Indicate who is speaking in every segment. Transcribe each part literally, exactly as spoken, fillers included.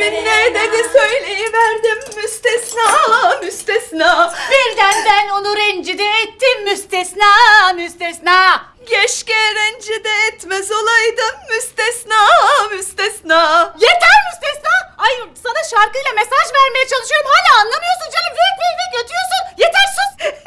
Speaker 1: ismin ne dedi söyleyiverdim müstesna müstesna.
Speaker 2: Birden ben onu rencide ettim müstesna müstesna.
Speaker 1: Keşke rencide etmez olaydım müstesna müstesna.
Speaker 2: Yeter müstesna. Ay sana şarkıyla mesaj vermeye çalışıyorum. Hala anlamıyorsun canım. Vik vik vik ötüyorsun. Yeter sus.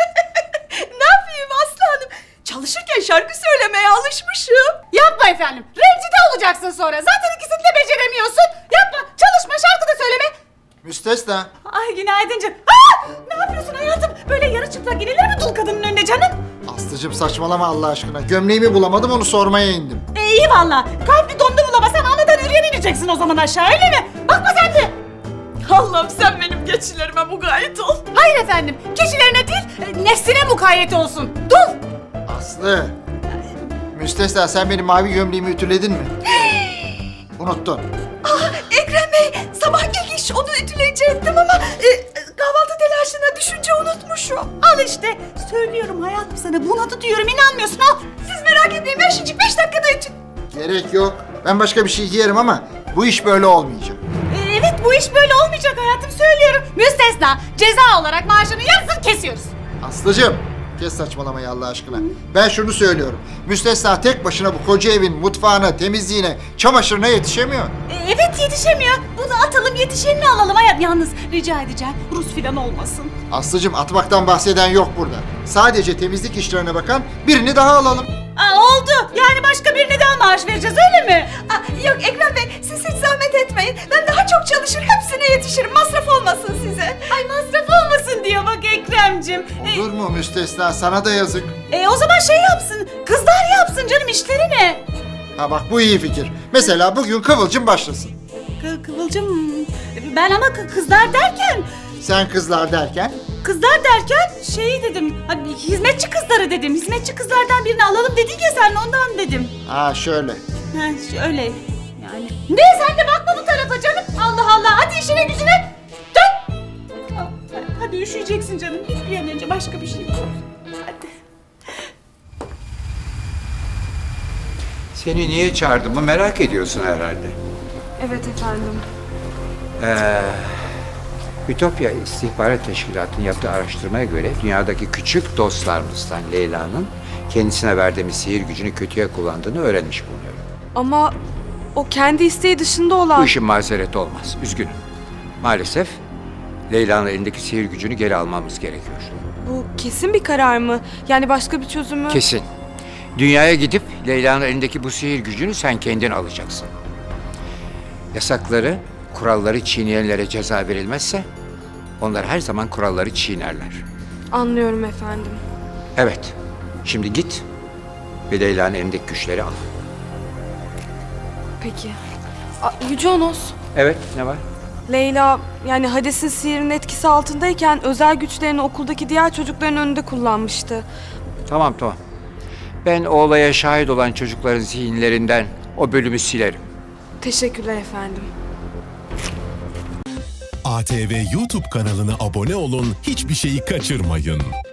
Speaker 1: Ne yapayım Aslı Hanım? Çalışırken şarkı söylemeye alışmışım.
Speaker 2: Yapma efendim. Rencide olacaksın sonra. Zaten ikisini de beceremiyorsun. Yapma. Çalışma, şarkı da söyleme.
Speaker 3: Müstesna.
Speaker 2: Ay günaydın canım. Aa, ne yapıyorsun hayatım? Böyle yarı çıplak inilir mi dul kadının önüne canım?
Speaker 3: Aslıcığım saçmalama Allah aşkına. Gömleğimi bulamadım, onu sormaya indim.
Speaker 2: E, iyi valla. Kalbi dondu bulamasan anadan yürüyen ineceksin o zaman aşağı, öyle mi? Bakma sen de.
Speaker 1: Allah'ım sen benim geçilerime mukayyet ol.
Speaker 2: Hayır efendim. Kişilerine değil, e, nefsine mukayyet olsun. Dul.
Speaker 3: Aslı. Müstesna, sen benim mavi gömleğimi ütüledin mi? Unuttun.
Speaker 1: Ah Ekrem Bey sabah gelmiş onu ütüleyecektim ama e, kahvaltı telaşına düşünce unutmuşum.
Speaker 2: Al işte. Söylüyorum hayatım sana. Bunadı diyorum, inanmıyorsun. Al.
Speaker 1: Siz merak etmeyin ben şimdi beş dakikada ütü...
Speaker 3: Gerek yok. Ben başka bir şey giyerim ama bu iş böyle olmayacak.
Speaker 2: E, evet, bu iş böyle olmayacak hayatım, söylüyorum. Müstesna. Ceza olarak maaşını yarısını kesiyoruz.
Speaker 3: Aslıcığım, kes saçmalamayı Allah aşkına. Ben şunu söylüyorum. Müstesna tek başına bu koca evin mutfağına, temizliğine, çamaşırına yetişemiyor.
Speaker 2: E, evet yetişemiyor. Bunu atalım, yetişenini alalım hayat. Yalnız rica edeceğim, Rus filan olmasın.
Speaker 3: Aslıcığım, atmaktan bahseden yok burada. Sadece temizlik işlerine bakan birini daha alalım.
Speaker 2: Aa, oldu. Yani başka birine daha maaş vereceğiz, öyle mi?
Speaker 1: Ah, yok Ekrem Bey siz hiç zahmet etmeyin. Ben daha çok çalışır hepsine yetişirim masraf olmasın size.
Speaker 2: Ay masraf olmasın diyor bak Ekrem'cim. E,
Speaker 3: Olur mu Müstesna? Sana da yazık.
Speaker 2: e, o zaman şey yapsın. Kızlar yapsın canım, işleri ne?
Speaker 3: Ha bak, bu iyi fikir. Mesela bugün Kıvılcım başlasın.
Speaker 2: Kı- Kıvılcım. Ben ama kı- kızlar derken...
Speaker 3: Sen kızlar derken?
Speaker 2: Kızlar derken şey dedim. Hani hizmetçi kızları dedim. Hizmetçi kızlardan birini alalım dedin ya sen, ondan dedim.
Speaker 3: Ha şöyle.
Speaker 2: Ha şöyle yani. Ne, sen de bakma bu tarafa canım. Allah Allah, hadi işine gücüne. Dön. Aa, hadi üşüyeceksin canım. Git bir an önce, başka bir şey yok. Hadi.
Speaker 4: Seni niye çağırdığımı merak ediyorsun herhalde.
Speaker 5: Evet efendim.
Speaker 4: Ee, Ütopya İstihbarat Teşkilatı'nın yaptığı araştırmaya göre dünyadaki küçük dostlarımızdan Leyla'nın kendisine verdiğimiz sihir gücünü kötüye kullandığını öğrenmiş bulunuyorum.
Speaker 5: Ama o kendi isteği dışında olan...
Speaker 4: Bu işin mazereti olmaz, üzgünüm. Maalesef Leyla'nın elindeki sihir gücünü geri almamız gerekiyor.
Speaker 5: Bu kesin bir karar mı? Yani başka bir çözümü...
Speaker 4: Kesin. Dünyaya gidip Leyla'nın elindeki bu sihir gücünü sen kendin alacaksın. Yasakları, kuralları çiğneyenlere ceza verilmezse onlar her zaman kuralları çiğnerler.
Speaker 5: Anlıyorum efendim.
Speaker 4: Evet, şimdi git ve Leyla'nın elindeki güçleri al.
Speaker 5: Peki. A, Yüce Onos,
Speaker 4: Evet, ne var?
Speaker 5: Leyla yani Hades'in sihirinin etkisi altındayken özel güçlerini okuldaki diğer çocukların önünde kullanmıştı.
Speaker 4: Tamam, tamam. Ben o olaya şahit olan çocukların zihinlerinden o bölümü silerim.
Speaker 5: Teşekkürler efendim.
Speaker 6: A T V YouTube kanalına abone olun, hiçbir şeyi kaçırmayın.